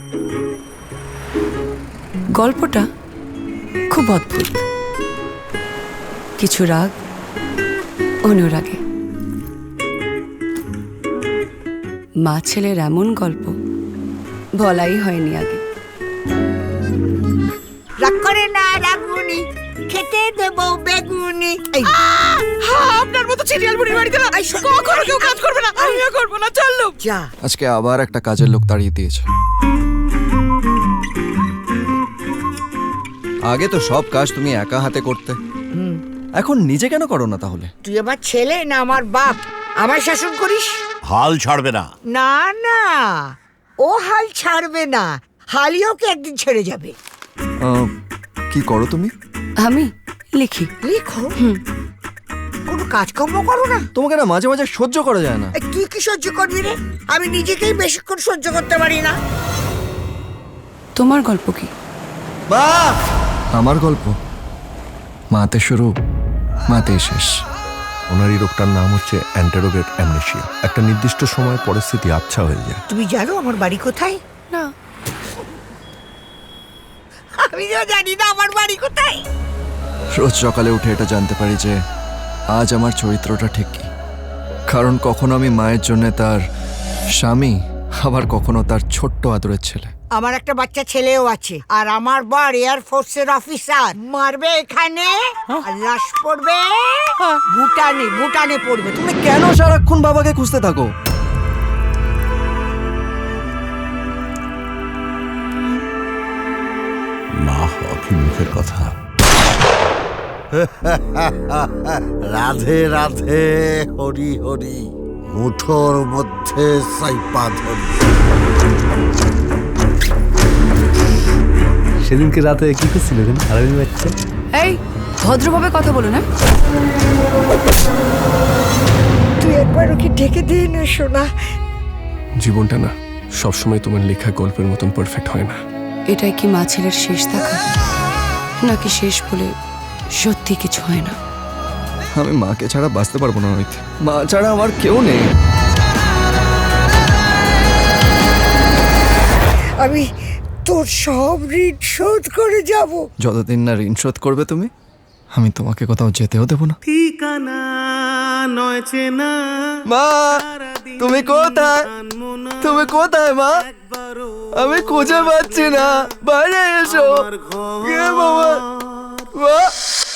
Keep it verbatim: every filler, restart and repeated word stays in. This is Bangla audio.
গল্পটা খুব অদ্ভুত, কিছু রাগ অনুরাগে। মা ছেলের এমন গল্প বলাই হয়নি আগে। রাগ করে না রাগুনি, খেতে দেবো বেগুনি। আপনার মতো সিরিয়াল বুড়ির বাড়িতে না কখনো কেউ কাজ করবে না, আমিও করবো না। চললো যা। আজকে আবার একটা কাজের লোক তাড়িয়ে দিয়েছে। আগে তো সব কাজ তুমি একা হাতে করতে, এখন নিজে কেন করো না তাহলে? তুই আমার ছেলে না আমার বাপ, আমার শাসন করিস? হাল ছাড়বে না। না না, ও হাল ছাড়বে না, হালই ওকে একদিন ছেড়ে যাবে। আহ, কি করো তুমি? আমি লিখি। লিখো? কোনো কাজকর্ম করো না? তোমাকে না মাঝে মাঝে সহ্য করা যায় না। এই, তুই কি সহ্য করবি রে? আমি নিজেকেই বেশিক্ষণ সহ্য করতে পারি না। তোমার গল্প কি? মা! আমার গল্প মাতে শুরু, মাতে শেষ। ওনার এই রোগটার নাম হচ্ছে অ্যান্টেরোগেট অ্যামনেশিয়া। একটা নির্দিষ্ট সময় পরিস্থিতি আবছা হয়ে যায়। তুমি জানো আমার বাড়ি কোথায়? না। আমিও জানি না আমার বাড়ি কোথায়। রোজ সকালে উঠে এটা জানতে পারি যে আজ আমার চরিত্রটা ঠিক কি। কারণ কখনো আমি মায়ের জন্য তার স্বামী, আবার কখনো তার ছোট্ট আদরের ছেলে। আমার একটা বাচ্চা ছেলেও আছে, আর আমার বর এয়ার ফোর্সের অফিসার। মারবে এখানে আর লাশ পড়বে ভুটানে, ভুটানে পড়বে। তুমি কেন সারাক্ষণ বাবাকে খুঁজতে থাকো? মা হওয়া কি মুখের কথা? রাধে রাধে, হরি হরি, মুঠোর মধ্যে সাইপা ধরি। সেদিনকে রাতে কি করছিল এখানে হারামি বাচ্চা? এই ভদ্রভাবে কথা বলো না। তুই একবার ওকে ডেকে দিয়ে না শোনা। জীবনটা না সবসময় তোমার লেখা গল্পের মতন পারফেক্ট হয় না। এটাই কি মা ছেলের শেষ দেখা, নাকি শেষ বলে সত্যি কিছু হয় না? আমি মাকে ছাড়া বাঁচতে পারবো না রোহিত। মা ছাড়া আমার কেউ নেই। আমি তোর সব ঋণ শোধ করে যাব। যতদিন না ঋণ শোধ করবে তুমি, আমি তোমাকে কোথাও যেতেও দেবো না। ঠিকানা নয় চেনা। মা, তুমি কোথায়? তুমি কোথায় মা? আমি খুঁজে পাচ্ছি না, বাইরে এসো। কে বাবা? মা!